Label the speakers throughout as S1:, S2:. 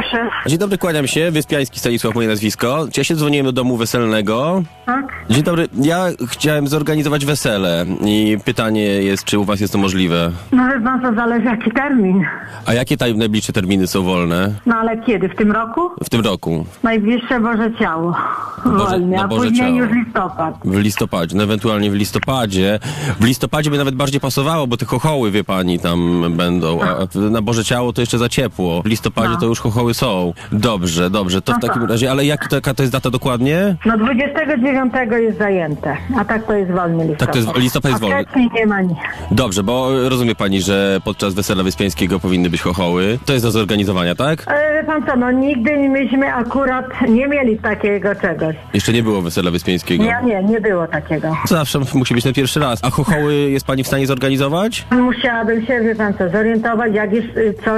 S1: proszę.
S2: Dzień dobry, kłaniam się. Wyspiański Stanisław, moje nazwisko. Ja się dzwoniłem do domu weselnego.
S1: Tak?
S2: Dzień dobry, ja chciałem zorganizować wesele i pytanie jest, czy u was jest to możliwe?
S1: No wie pan, co zależy jaki termin.
S2: A jakie najbliższe terminy są wolne
S1: No ale kiedy? W tym roku?
S2: w tym roku?
S1: Najbliższe Boże Ciało. Wolnie, a
S2: Boże
S1: później
S2: Ciało.
S1: już listopad.
S2: W listopadzie, no ewentualnie w listopadzie. W listopadzie by nawet bardziej pasowało, bo te chochoły, wie pani, tam będą, a na Boże Ciało to jeszcze za ciepło. W listopadzie to już chochoły są. Dobrze, to w takim razie, ale jaka to jest data dokładnie?
S1: No 29 jest zajęte, a tak to jest wolny listopad.
S2: Tak, to jest, listopad jest
S1: A
S2: wolny.
S1: wcześniej nie ma nic.
S2: Dobrze, bo rozumie pani, że podczas wesela wyspiańskiego powinny być chochoły. To jest do zorganizowania, tak?
S1: Ale wie pan co, no nigdy myśmy akurat nie mieli takiego czegoś.
S2: Jeszcze nie było wesela wyspiańskiego.
S1: Nie było takiego.
S2: Zawsze musi być ten pierwszy raz. A chochoły jest pani w stanie zorganizować?
S1: Musiałabym się, wie pan co, zorientować, jak jest,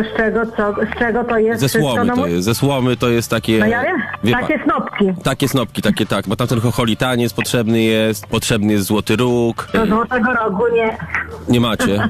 S1: z czego to jest.
S2: Ze
S1: wszystko,
S2: słomy
S1: no,
S2: to jest. Ze słomy to jest takie...
S1: No ja wiem,
S2: wie
S1: takie snopki.
S2: Takie snopki, tak. Bo tam ten chocholitaniec potrzebny jest złoty róg.
S1: Do Złotego Rogu nie.
S2: Nie macie?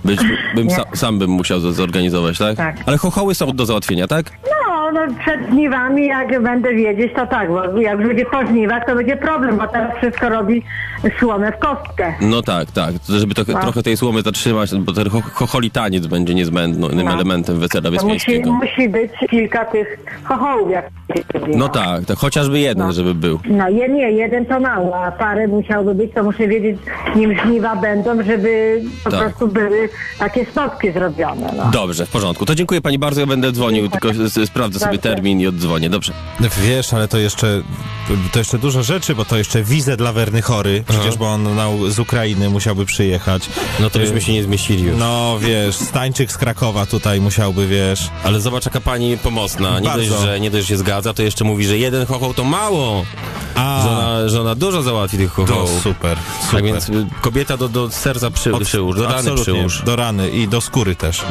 S2: Sam bym musiał zorganizować, tak?
S1: Tak.
S2: Ale chochoły są do załatwienia, tak?
S1: No przed żniwami, jak będę wiedzieć, to tak, bo jak będzie po żniwach, to będzie problem, bo teraz wszystko robi słomę w kostkę.
S2: No tak. Żeby trochę tej słomy zatrzymać, bo ten chocholitaniec będzie niezbędnym elementem wesela
S1: To
S2: wyspiańskiego.
S1: musi być kilka tych chochołów, jak
S2: No tak, chociażby jeden, żeby był.
S1: No jeden to mało, a parę musiałby być, to muszę wiedzieć, nim żniwa będą, żeby po prostu były takie snopki zrobione. No.
S2: Dobrze, w porządku. To dziękuję pani bardzo, ja będę dzwonił, tylko sprawdzę sobie termin i oddzwonię, dobrze.
S3: Wiesz, ale to jeszcze dużo rzeczy, bo to jeszcze wizę dla Werny Chory, przecież bo on z Ukrainy musiałby przyjechać.
S2: No to byśmy się nie zmieścili już.
S3: No wiesz, Stańczyk z Krakowa tutaj musiałby, wiesz.
S2: Ale zobacz, jaka pani pomocna. Nie dość, że się zgadza, to jeszcze mówi, że jeden chochoł to mało. Że ona dużo załatwi tych chochołów.
S3: Super.
S2: Tak więc kobieta do serca przyłóż, do rany
S3: Absolutnie,
S2: przyłóż.
S3: do rany i do skóry też.